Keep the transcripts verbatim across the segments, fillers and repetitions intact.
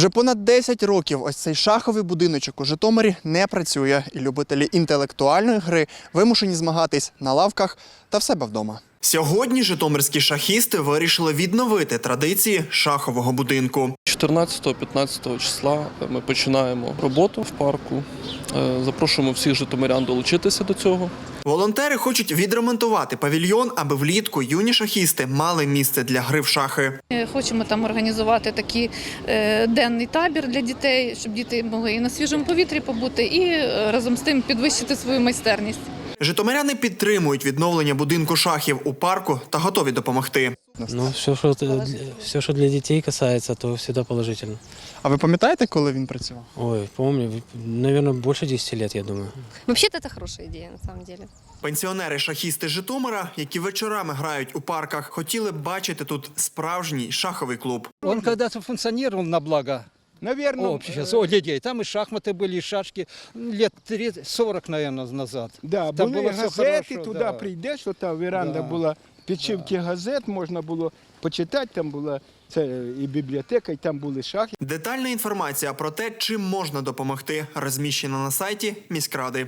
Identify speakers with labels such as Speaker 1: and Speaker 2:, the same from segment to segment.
Speaker 1: Вже понад десять років ось цей шаховий будиночок у Житомирі не працює, і любителі інтелектуальної гри вимушені змагатись на лавках та в себе вдома. Сьогодні житомирські шахісти вирішили відновити традиції шахового будинку.
Speaker 2: чотирнадцятого-п'ятнадцятого числа ми починаємо роботу в парку. Запрошуємо всіх житомирян долучитися до цього.
Speaker 1: Волонтери хочуть відремонтувати павільйон, аби влітку юні шахісти мали місце для гри в шахи.
Speaker 3: Хочемо там організувати такий е, денний табір для дітей, щоб діти могли і на свіжому повітрі побути, і е, разом з тим підвищити свою майстерність.
Speaker 1: Житомиряни підтримують відновлення будинку шахів у парку та готові допомогти.
Speaker 4: Ну, все, що, все, що для дітей касається, то завжди положительно.
Speaker 1: А ви пам'ятаєте, коли він працював?
Speaker 4: Ой, помню, наверное, більше десяти років, я думаю.
Speaker 5: Вообще-то это хорошая идея, на самом деле.
Speaker 1: Пенсіонери-шахісти Житомира, які вечорами грають у парках, хотіли б бачити тут справжній шаховий клуб.
Speaker 6: Он когда-то функционировал на благо
Speaker 7: Наверное,
Speaker 6: общества, о, людей. Там и шахматы были, и шашки лет тридцать сорок, наверное, назад.
Speaker 7: Да,
Speaker 6: Там
Speaker 7: були
Speaker 6: було все
Speaker 7: газети,
Speaker 6: хорошо,
Speaker 7: туди
Speaker 6: да.
Speaker 7: прийдеш, що та веранда
Speaker 6: Да.
Speaker 7: була, підшивки газет, можна було почитати, там була це і бібліотека, і там були шахи.
Speaker 1: Детальна інформація про те, чим можна допомогти, розміщена на сайті міськради.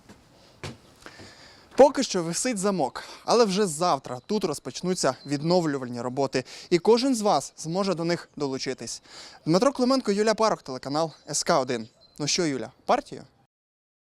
Speaker 1: Поки що висить замок, але вже завтра тут розпочнуться відновлювальні роботи, і кожен з вас зможе до них долучитись. Дмитро Клименко, Юлія Парох, телеканал ес ка один. Ну що, Юля, партію?